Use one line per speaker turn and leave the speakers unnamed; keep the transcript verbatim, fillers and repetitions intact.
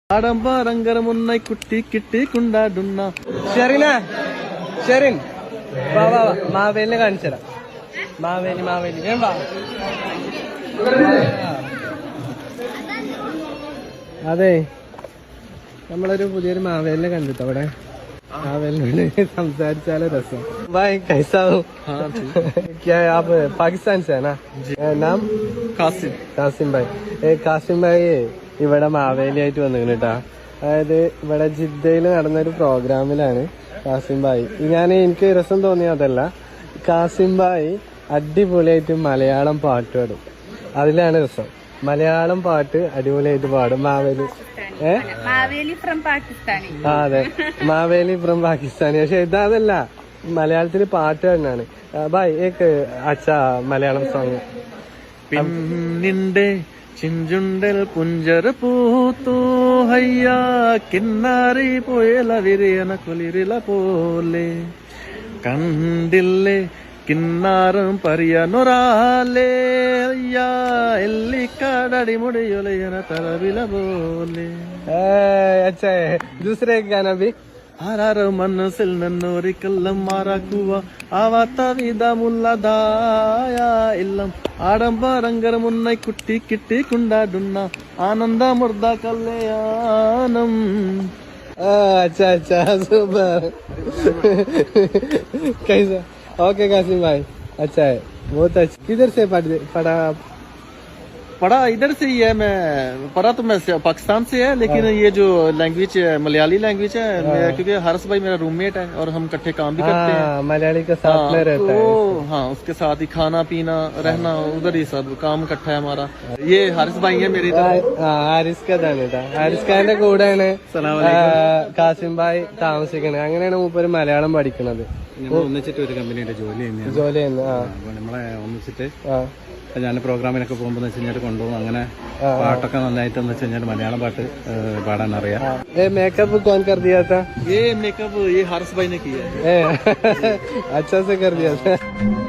ആഡംബരങ്കരമുന്നായി കുട്ടി കിട്ടി കൊണ്ടാടുന്ന
ഷെറിന ഷെറിൻ വാ വാ വാ മാവേലിനെ കാണിച്ചരാ മാവേലി മാവേലി വേം വാ അതെ നമ്മളൊരു പുതിയൊരു മാവേലിനെ കണ്ടിട്ടോ അവിടെ മാവേലിനോട് സംസാരിച്ചാലോ രസം भाई कैसा हो क्या आप पाकिस्तान से है ना नाम
കാസിം
കാസിം ഭായ് ഏ കാസിം ഭായി ഇവിടെ മാവേലിയായിട്ട് വന്നിരുന്നു കേട്ടാ അതായത് ഇവിടെ ജിദ്ദയിൽ നടന്നൊരു പ്രോഗ്രാമിലാണ് കാസിം ഭായി ഞാൻ എനിക്ക് രസം തോന്നിയതല്ല കാസിം ഭായി അടിപൊളിയായിട്ട് മലയാളം പാട്ട് പാടും അതിലാണ് രസം മലയാളം പാട്ട് അടിപൊളിയായിട്ട് പാടും മാവേലി ഏഹ്
മാവേലി ഫ്രം പാകിസ്ഥാനി
ആ അതെ മാവേലി ഫ്രം പാകിസ്ഥാനി പക്ഷെ ഇതല്ല മലയാളത്തില് പാട്ട് തന്നെയാണ് ഭായ് ഏക്ക് അച്ഛാ മലയാളം സോങ്
പിന്നിന്റെ ചിഞ്ചുണ്ടൽ പുഞ്ചർ പൂത്തു ഹയ്യ കിന്നാരി പോയല വിരിയന കുളിരില പോലെ കണ്ടില്ലേ കിന്നാറും പരിയനൊരാലേ അയ്യ എല്ലിക്കാടടി മുടിയൊലയന തലവില പോലെ
अच्छा है दूसरे गाना भी
ആരാറ് മനസ്സിൽ നിന്നൊരിക്കലും മാറാക്കുക ആവാത്ത വിധമുള്ളതായ എല്ലാം ആഡംബരങ്കരമുന്നായി കുട്ടി കിട്ടി കൊണ്ടാടുന്ന ആനന്ദമൃത കല്യാണം
अच्छा अच्छा सुपर कैसा ओके कासिम भाई अच्छा है बहुत अच्छा किधर से पढ़ पढ़ा
पढ़ा इधर से ही है मैं पढ़ा तो मैं पाकिस्तान से है लेकिन ये जो लैंग्वेज है मलयाली लैंग्वेज है मेरा, क्योंकि हर्ष भाई मेरा रूममेट है और हम इकट्ठे काम भी करते हैं
मलयाली के साथ में रहता है
तो हाँ उसके साथ ही खाना पीना रहना उधर ही सब काम इकट्ठा है हमारा ये हर्ष भाई है मेरी
ഹാരിസ് ഖാനാണ് കേട്ടോ ഹാരിസ് ഖാന്റെ കൂടെയാണ് കാസിം ഭായ് താമസിക്കുന്നത് അങ്ങനെയാണ് മൂപ്പര് മലയാളം പഠിക്കുന്നത്
നമ്മൾ ഒന്നിച്ചിട്ട് ഒരു കമ്പനിയുടെ ജോലി ചെയ്യുന്നത്
ജോലി ചെയ്യുന്നത് ആ
നമ്മളെ ഒന്നിച്ചിട്ട്
ആ
ഞാൻ പ്രോഗ്രാമിനൊക്കെ പോകുമ്പോൾ വെച്ച് കഴിഞ്ഞാൽ കൊണ്ടുപോകും അങ്ങനെ പാട്ടൊക്കെ നന്നായിട്ട് എന്ന് വെച്ച് കഴിഞ്ഞാൽ മലയാളം പാട്ട് പാടാൻ അറിയാം
मेकअप कौन कर दिया था
ये मेकअप ये हर्ष भाई ने किया है
ए, अच्छा से कर दिया था